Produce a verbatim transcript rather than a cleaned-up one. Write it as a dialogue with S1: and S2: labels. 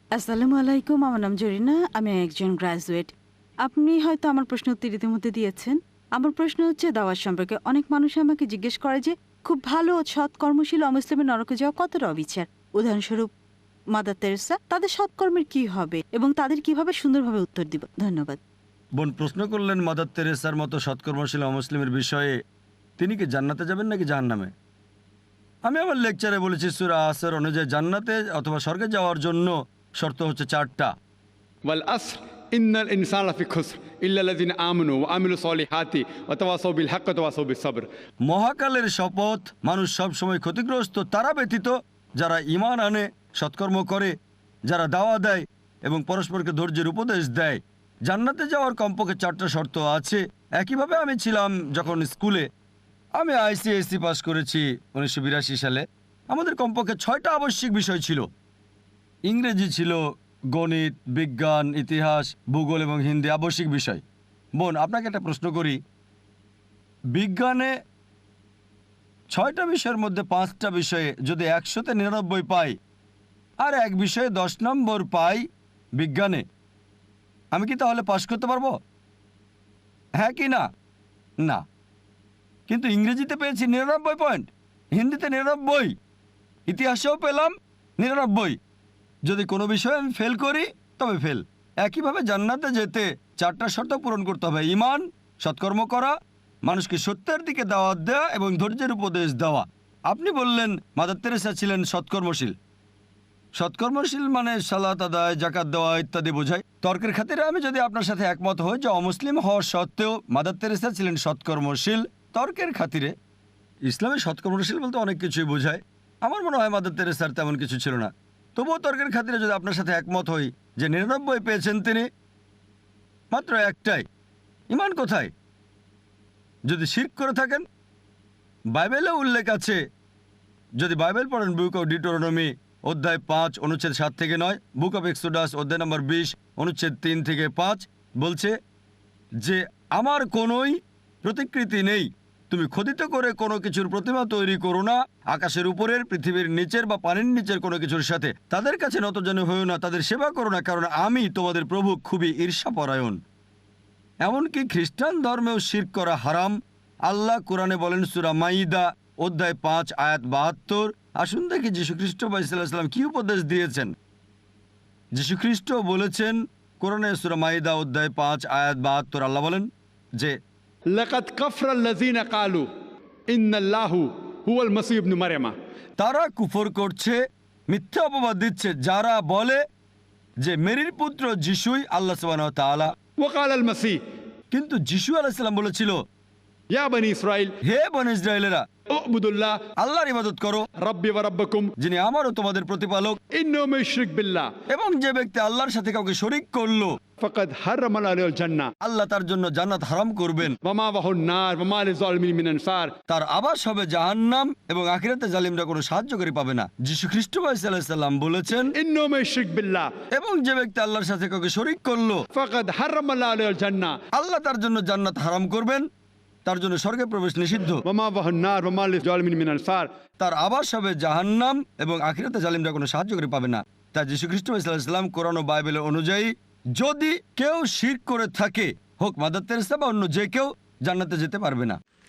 S1: আসসালামু আলাইকুম, আমার নাম জরিনা, আমি একজন গ্রাজুয়েট। আপনি হয়তো আমার প্রশ্ন উত্তর ইতিমধ্যে দিয়েছেন। আমার প্রশ্ন হচ্ছে দাওয়াত সম্পর্কে। অনেক মানুষ আমাকে জিজ্ঞেস করে যে খুব ভালো ও সৎ কর্মশীল অমুসলিমের নরকে যাওয়া কতটা অবিচার। উদাহরণস্বরূপ মাদার তেরেসা, তাদের সৎকর্মের কি হবে এবং তাদের কিভাবে সুন্দরভাবে উত্তর দিব? ধন্যবাদ।
S2: বোন প্রশ্ন করলেন মাদার তেরেসার মতো সৎকর্মশীল অমুসলিমের বিষয়ে, তিনি কি জান্নাতে যাবেন নাকি জাহান্নামে। আমি আমার লেকচারে বলেছি সূরা আসর অনুযায়ী জান্নাতে অথবা স্বর্গে যাওয়ার জন্য শর্ত হচ্ছে চারটা।
S3: ওয়াল আসর ইন্নাল ইনসানা লাফি খুসর ইল্লা আল্লাযিনা আমানু ওয়া আমিলুস সলিহাতি ওয়া তাওয়াসাউ বিল হাক্কি ওয়া তাওয়াসাউ বিস সবর।
S2: মহাকালের শপথ, মানুষ সব সময় ক্ষতিগ্রস্ত তারা ব্যতীত যারা ঈমান আনে, সৎকর্ম করে, যারা দাওয়া দেয় এবং পরস্পরকে ধৈর্যের উপদেশ দেয়। জান্নাতে যাওয়ার কমপক্ষে চারটা শর্ত আছে। একইভাবে আমি ছিলাম যখন স্কুলে, আমি আইসিএসসি পাস করেছি উনিশশো বিরাশি সালে। আমাদের কমপক্ষে ছয়টা আবশ্যিক বিষয় ছিল। ইংরেজি ছিল, গণিত, বিজ্ঞান, ইতিহাস, ভূগোল এবং হিন্দি আবশ্যিক বিষয়। বোন আপনাকে একটা প্রশ্ন করি, বিজ্ঞানে ছয়টা বিষয়ের মধ্যে পাঁচটা বিষয়ে যদি একশোতে নিরানব্বই পাই আর এক বিষয়ে দশ নম্বর পাই বিজ্ঞানে, আমি কি তাহলে পাশ করতে পারবো? হ্যাঁ কি না? না। কিন্তু ইংরেজিতে পেয়েছি নিরানব্বই পয়েন্ট, হিন্দিতে নিরানব্বই, ইতিহাসেও পেলাম নিরানব্বই। যদি কোনো বিষয়ে আমি ফেল করি তবে ফেল। একইভাবে জান্নাতে যেতে চারটা শর্ত পূরণ করতে হবে: ঈমান, সৎকর্ম করা, মানুষকে সত্যের দিকে দাওয়াত দেওয়া এবং ধৈর্যের উপদেশ দেওয়া। আপনি বললেন মাদার তেরেসা ছিলেন সৎকর্মশীল। সৎকর্মশীল মানে সালাত আদায়, জাকাত দেওয়া ইত্যাদি বোঝায়। তর্কের খাতিরে আমি যদি আপনার সাথে একমত হই যে অমুসলিম হওয়া সত্ত্বেও মাদার তেরেসা ছিলেন সৎকর্মশীল, তর্কের খাতিরে ইসলামে সৎকর্মশীল বলতে অনেক কিছুই বোঝায়। আমার মনে হয় মাদার তেরেসার তেমন কিছু ছিল না। তবুও তর্কের খাতিরে যদি আপনার সাথে একমত হই যে নিরানব্বই পেয়েছেন তিনি, মাত্র একটাই, ঈমান কোথায়? যদি শিরক করে থাকেন, বাইবেলে উল্লেখ আছে, যদি বাইবেল পড়েন বুক অফ ডিউটেরোনমি অধ্যায় পাঁচ অনুচ্ছেদ সাত থেকে নয়, বুক অফ এক্সোডাস অধ্যায় নম্বর বিশ অনুচ্ছেদ তিন থেকে পাঁচ বলছে যে আমার কোনোই প্রতিকৃতি নেই, তুমি খোদিত করে কোনো কিছুর প্রতিমা তৈরি করো না, আকাশের উপরের, পৃথিবীর নিচের বা পানির নিচের কোনো কিছুর সাথে। তাদের কাছে নতজানু হইও না, তাদের সেবা করো না, কারণ আমি তোমাদের প্রভু খুবই ঈর্ষাপরায়ণ। এমনকি খ্রিস্টান ধর্মেও শিরক করা হারাম। আল্লাহ কোরআনে বলেন সূরা মাইদা অধ্যায় পাঁচ আয়াত বাহাত্তর। আসুন দেখি যীশুখ্রিস্ট বা ইসলাম কি উপদেশ দিয়েছেন। যীশুখ্রিস্ট বলেছেন কোরআনে সূরা মাইদা অধ্যায় পাঁচ আয়াত বাহাত্তর, আল্লাহ বলেন যে
S3: লাকাদ কাফরাল্লাযিনা ক্বালু ইন্নাল্লাহু হুয়াল মাসীহ ইবনে মারইয়াম।
S2: তারা কুফর করছে, মিথ্যা অপবাদ দিচ্ছে যারা বলে যে মেরির পুত্র যিশুই আল্লাহ সুবহানাহু ওয়া তাআলা।
S3: ওয়া ক্বালাল মাসীহ,
S2: কিন্তু যিশু আলাইহিস সালাম বলেছিল,
S3: ইয়া বনি ইসরাইল
S2: হে বনী ইসরায়েলেরা,
S3: উবুদুল্লাহ
S2: আল্লাহর ইবাদত করো,
S3: রাব্বি ওয়া রাব্বাকুম,
S2: যিনি আমারও তোমাদের প্রতিপালক।
S3: ইন্নাহু মান ইউশরিক বিল্লাহ
S2: এবং যে ব্যক্তি আল্লাহর সাথে কাউকে শরীক করলো,
S3: ফাকাদ হারামা আলাইহিল জান্নাহ
S2: আল্লাহ তার জন্য জান্নাত হারাম করবেন,
S3: ওয়া মাওয়াহুন নার ওয়া মা লিযালিমিন মিন আনসার,
S2: তার আবাস হবে জাহান্নাম এবং আখিরাতে জালিমরা কোনো সাহায্যকারী পাবে না। যীশু খ্রিস্ট আলাইহিস সালাম বলেছেন,
S3: ইন্নাহু মান ইউশরিক বিল্লাহ
S2: এবং যে ব্যক্তি আল্লাহর সাথে কাউকে শরীক করলো,
S3: ফাকাদ হারামা আলাইহিল জান্নাহ
S2: আল্লাহ তার জন্য জান্নাত হারাম করবেন, তার জন্য স্বর্গে প্রবেশ নিষিদ্ধ,
S3: ওয়া মাওয়াহুন নার ওয়া মা লিযালিমিন মিন আনসার,
S2: তার আবাস হবে জাহান্নাম এবং আখিরাতে জালিমরা কোনো সাহায্যকারী পাবে না। তাই যীশু খ্রিস্ট আলাইহিস সালাম কোরআন ও বাইবেলের অনুযায়ী যদি কেউ শিরক করে থাকে, হোক মাদার তেরেসা বা অন্য যে কেউ, জান্নাতে যেতে পারবে না।